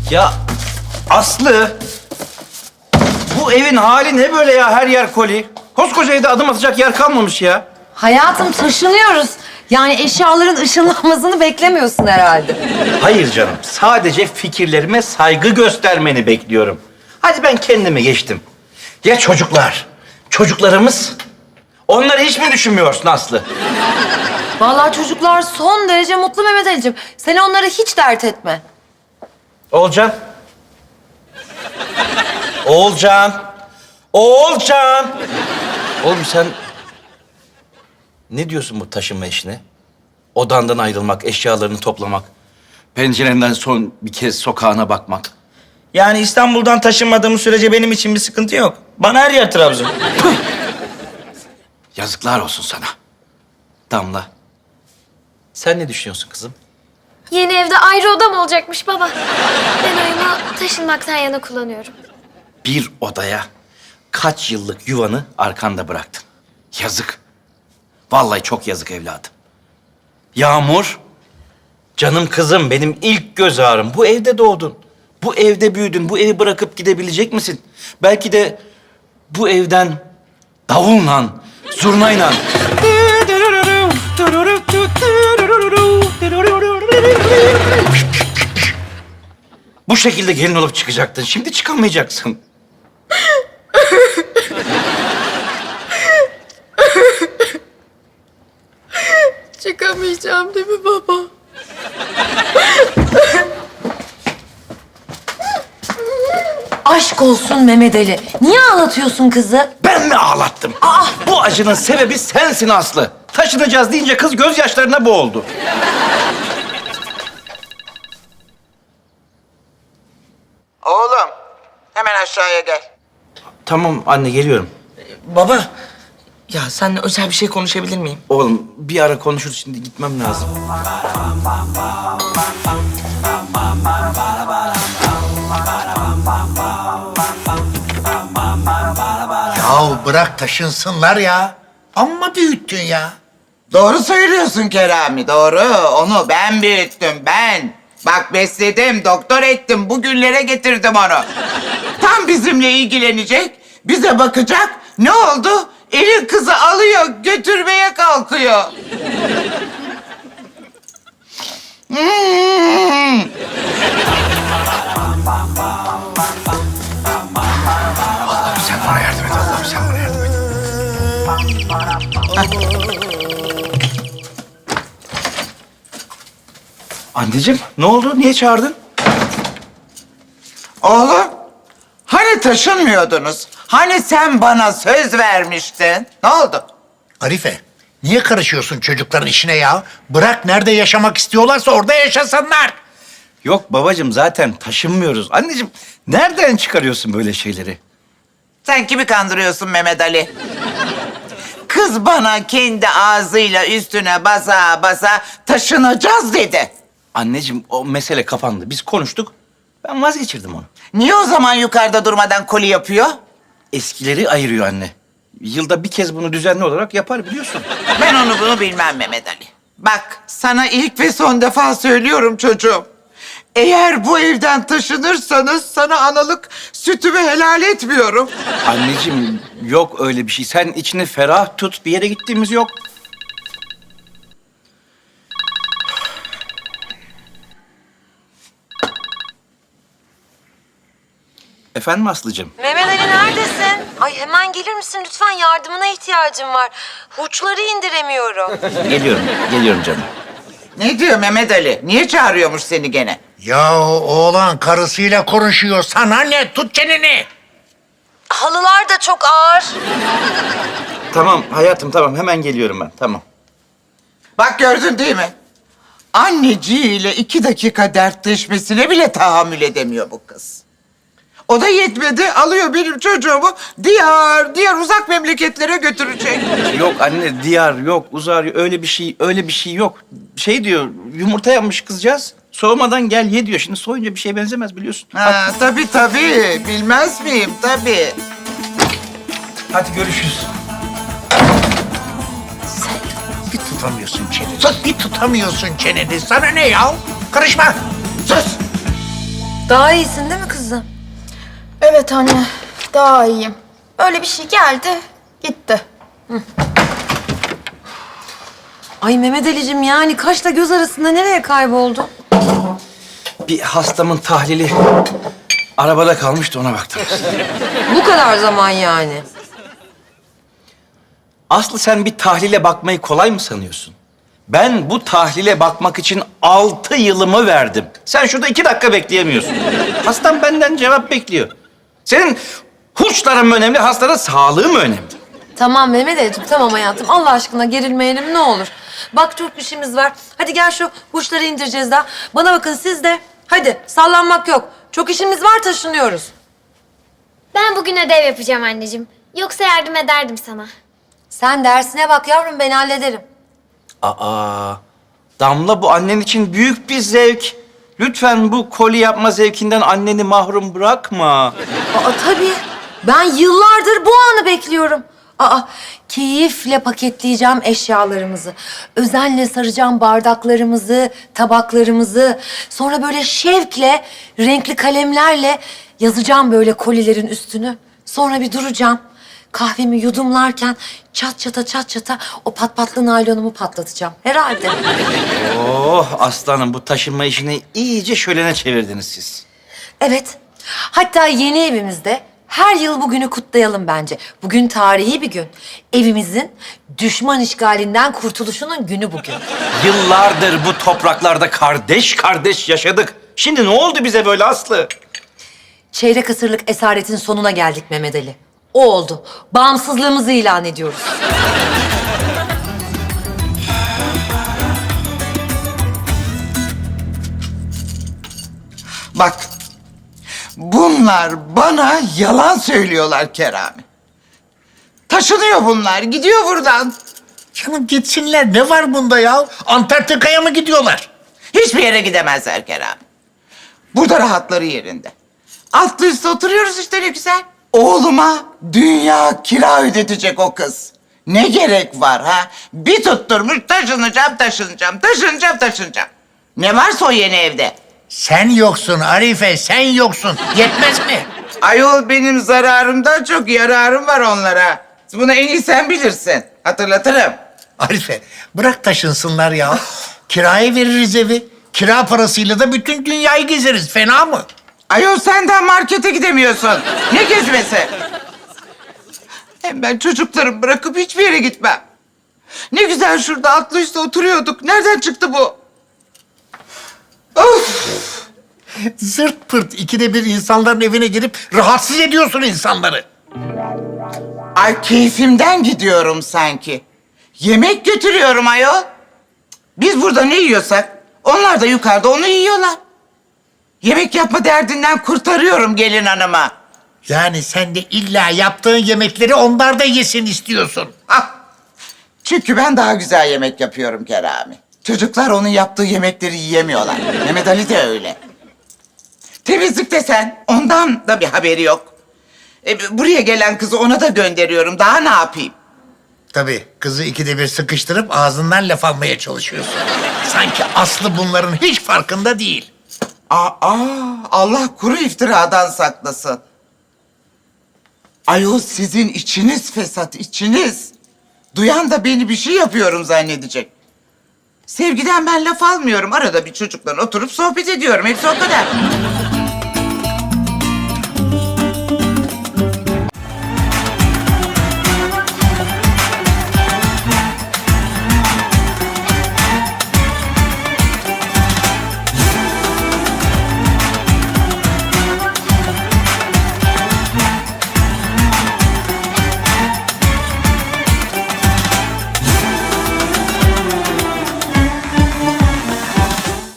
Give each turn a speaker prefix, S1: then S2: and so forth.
S1: Ya Aslı, bu evin hali ne böyle ya? Her yer koli. Koskoca evde adım atacak yer kalmamış ya.
S2: Hayatım taşınıyoruz. Yani eşyaların ışınlanmasını beklemiyorsun herhalde.
S1: Hayır canım, sadece fikirlerime saygı göstermeni bekliyorum. Hadi ben kendime geçtim. Ya çocuklar? Çocuklarımız? Onları hiç mi düşünmüyorsun Aslı?
S2: Vallahi çocuklar son derece mutlu Mehmet Ali'cim. Sen onları hiç dert etme.
S1: Oğulcan. Oğulcan. Oğulcan. Oğlum sen ne diyorsun bu taşınma işine? Odandan ayrılmak, eşyalarını toplamak, pencerenden son bir kez sokağına bakmak.
S3: Yani İstanbul'dan taşınmadığımız sürece benim için bir sıkıntı yok. Bana her yer Trabzon.
S1: Yazıklar olsun sana. Damla. Sen ne düşünüyorsun kızım?
S4: Yeni evde ayrı odam olacakmış baba. Ben oyunu taşınmaktan yana kullanıyorum.
S1: Bir odaya kaç yıllık yuvanı arkanda bıraktın. Yazık. Vallahi çok yazık evladım. Yağmur, canım kızım, benim ilk göz ağrım. Bu evde doğdun. Bu evde büyüdün. Bu evi bırakıp gidebilecek misin? Belki de bu evden davulla, zurnayla... Bu şekilde gelin olup çıkacaktın. Şimdi çıkamayacaksın.
S4: Çıkamayacağım değil mi baba?
S2: Aşk olsun Mehmet Ali. Niye ağlatıyorsun kızı?
S1: Ben mi ağlattım? Bu acının sebebi sensin Aslı. Taşınacağız deyince kız gözyaşlarına boğuldu.
S5: Oğlum, hemen aşağıya gel.
S1: Tamam anne, geliyorum.
S3: Baba, ya seninle özel bir şey konuşabilir miyim?
S1: Oğlum bir ara konuşuruz, şimdi gitmem lazım.
S6: Yahu bırak taşınsınlar ya. Amma büyüttün ya.
S5: Doğru söylüyorsun Kerami, doğru. Onu ben büyüttüm, ben. Bak besledim, doktor ettim, bugünlere getirdim onu. Tam bizimle ilgilenecek, bize bakacak. Ne oldu? Elin kızı alıyor, götürmeye kalkıyor. Hmm.
S6: Allah'ım sen bana yardım et. Allah'ım sen bana yardım et.
S1: Anneciğim ne oldu? Niye çağırdın?
S5: Oğlum, hani taşınmıyordunuz? Hani sen bana söz vermiştin? Ne oldu?
S6: Arife, niye karışıyorsun çocukların işine ya? Bırak nerede yaşamak istiyorlarsa orada yaşasınlar.
S1: Yok babacığım, zaten taşınmıyoruz. Anneciğim nereden çıkarıyorsun böyle şeyleri?
S5: Sen kimi kandırıyorsun Mehmet Ali? Kız bana kendi ağzıyla üstüne basa basa taşınacağız dedi.
S1: Anneciğim o mesele kapandı. Biz konuştuk. Ben vazgeçirdim onu.
S5: Niye o zaman yukarıda durmadan koli yapıyor?
S1: Eskileri ayırıyor anne. Yılda bir kez bunu düzenli olarak yapar, biliyorsun.
S5: Ben onu bunu bilmem Mehmet Ali. Bak sana ilk ve son defa söylüyorum çocuğum. Eğer bu evden taşınırsanız sana analık sütümü helal etmiyorum.
S1: Anneciğim yok öyle bir şey. Sen içini ferah tut. Bir yere gittiğimiz yok. Efendim Aslı'cığım?
S2: Mehmet Ali neredesin? Ay hemen gelir misin lütfen? Yardımına ihtiyacım var. Hurçları indiremiyorum.
S1: Geliyorum canım.
S5: Ne diyor Mehmet Ali? Niye çağırıyormuş seni gene?
S6: Yahu oğlan karısıyla konuşuyor. Sana ne? Tut çeneni.
S2: Halılar da çok ağır.
S1: Tamam hayatım, tamam. Hemen geliyorum ben. Tamam.
S5: Bak gördün değil mi? Anneciğiyle 2 dakika dertleşmesine bile tahammül edemiyor bu kız. O da yetmedi, alıyor benim çocuğumu diğer uzak memleketlere götürecek.
S1: Yok anne, diyar yok, uzar, öyle bir şey yok. Şey diyor, yumurta yapmış kızcağız. Soğumadan gel ye diyor. Şimdi soğuyunca bir şeye benzemez, biliyorsun.
S5: Ha, tabii, bilmez miyim tabii.
S1: Hadi görüşürüz.
S6: Bir tutamıyorsun çeneni. Sus, bir tutamıyorsun çeneni. Sana ne ya? Karışma.
S5: Sus!
S2: Daha iyisin değil mi kızım?
S7: Evet anne, daha iyiyim. Öyle bir şey geldi, gitti.
S2: Ay Mehmet Ali'cim yani kaşla göz arasında nereye kayboldu?
S1: Bir hastamın tahlili arabada kalmıştı, ona baktım.
S2: Bu kadar zaman yani.
S1: Aslı, sen bir tahlile bakmayı kolay mı sanıyorsun? Ben bu tahlile bakmak için 6 yılımı verdim. Sen şurada 2 dakika bekleyemiyorsun. Hastam benden cevap bekliyor. Senin hurçların mı önemli, hastanın sağlığı mı önemli?
S2: Tamam Mehmet Ali'cim, tamam hayatım. Allah aşkına gerilmeyelim ne olur. Bak çok işimiz var. Hadi gel şu hurçları indireceğiz daha. Bana bakın siz de. Hadi sallanmak yok. Çok işimiz var, taşınıyoruz.
S4: Ben bugün ödev yapacağım anneciğim. Yoksa yardım ederdim sana.
S2: Sen dersine bak yavrum, ben hallederim.
S1: Aa, Damla, bu annen için büyük bir zevk. Lütfen bu koli yapma zevkinden anneni mahrum bırakma.
S2: Aa tabii. Ben yıllardır bu anı bekliyorum. Aa, keyifle paketleyeceğim eşyalarımızı. Özenle saracağım bardaklarımızı, tabaklarımızı. Sonra böyle şevkle, renkli kalemlerle yazacağım böyle kolilerin üstünü. Sonra bir duracağım. Kahvemi yudumlarken çat çata o patpatlı naylonumu patlatacağım. Herhalde.
S1: Oh aslanım, bu taşınma işini iyice şölene çevirdiniz siz.
S2: Evet. Hatta yeni evimizde her yıl bugünü kutlayalım bence. Bugün tarihi bir gün. Evimizin düşman işgalinden kurtuluşunun günü bugün.
S1: Yıllardır bu topraklarda kardeş kardeş yaşadık. Şimdi ne oldu bize böyle Aslı?
S2: Çeyrek asırlık esaretin sonuna geldik Mehmet Ali. O oldu. Bağımsızlığımızı ilan ediyoruz.
S5: Bak, bunlar bana yalan söylüyorlar Kerami. Taşınıyor bunlar, gidiyor buradan.
S6: Canım gitsinler, ne var bunda ya? Antarktika'ya mı gidiyorlar?
S5: Hiçbir yere gidemezler Kerami. Burada rahatları yerinde. Altlı üstte oturuyoruz işte, ne güzel. Oğluma dünya kira ödetecek o kız. Ne gerek var ha? Bir tutturmuş taşınacağım. Ne varsa o yeni evde.
S6: Sen yoksun Arife, sen yoksun. Yetmez mi?
S5: Ayol, benim zararımdan çok yararım var onlara. Bunu en iyi sen bilirsin. Hatırlatırım.
S6: Arife, bırak taşınsınlar ya. Kiraya veririz evi. Kira parasıyla da bütün dünyayı gezeriz. Fena mı?
S5: Ayol, sen daha markete gidemiyorsun. Ne gezmesi? Hem ben çocuklarımı bırakıp hiçbir yere gitmem. Ne güzel şurada atlı üstte oturuyorduk. Nereden çıktı bu? Of!
S6: Zırt pırt ikide bir insanların evine girip rahatsız ediyorsun insanları.
S5: Ay, keyfimden gidiyorum sanki. Yemek götürüyorum ayol. Biz burada ne yiyorsak onlar da yukarıda onu yiyorlar. Yemek yapma derdinden kurtarıyorum gelin hanıma.
S6: Yani sen de illa yaptığın yemekleri onlar da yesin istiyorsun.
S5: Ah! Çünkü ben daha güzel yemek yapıyorum Kerami. Çocuklar onun yaptığı yemekleri yiyemiyorlar. Mehmet Ali de öyle. Temizlik desen ondan da bir haberi yok. Buraya gelen kızı ona da gönderiyorum. Daha ne yapayım?
S6: Tabii kızı ikide bir sıkıştırıp ağzından laf almaya çalışıyorsun. Sanki Aslı bunların hiç farkında değil.
S5: Allah kuru iftiradan saklasın. Ayol, sizin içiniz fesat, içiniz. Duyan da beni bir şey yapıyorum zannedecek. Sevgiden ben laf almıyorum. Arada bir çocukla oturup sohbet ediyorum. Hepsi o kadar.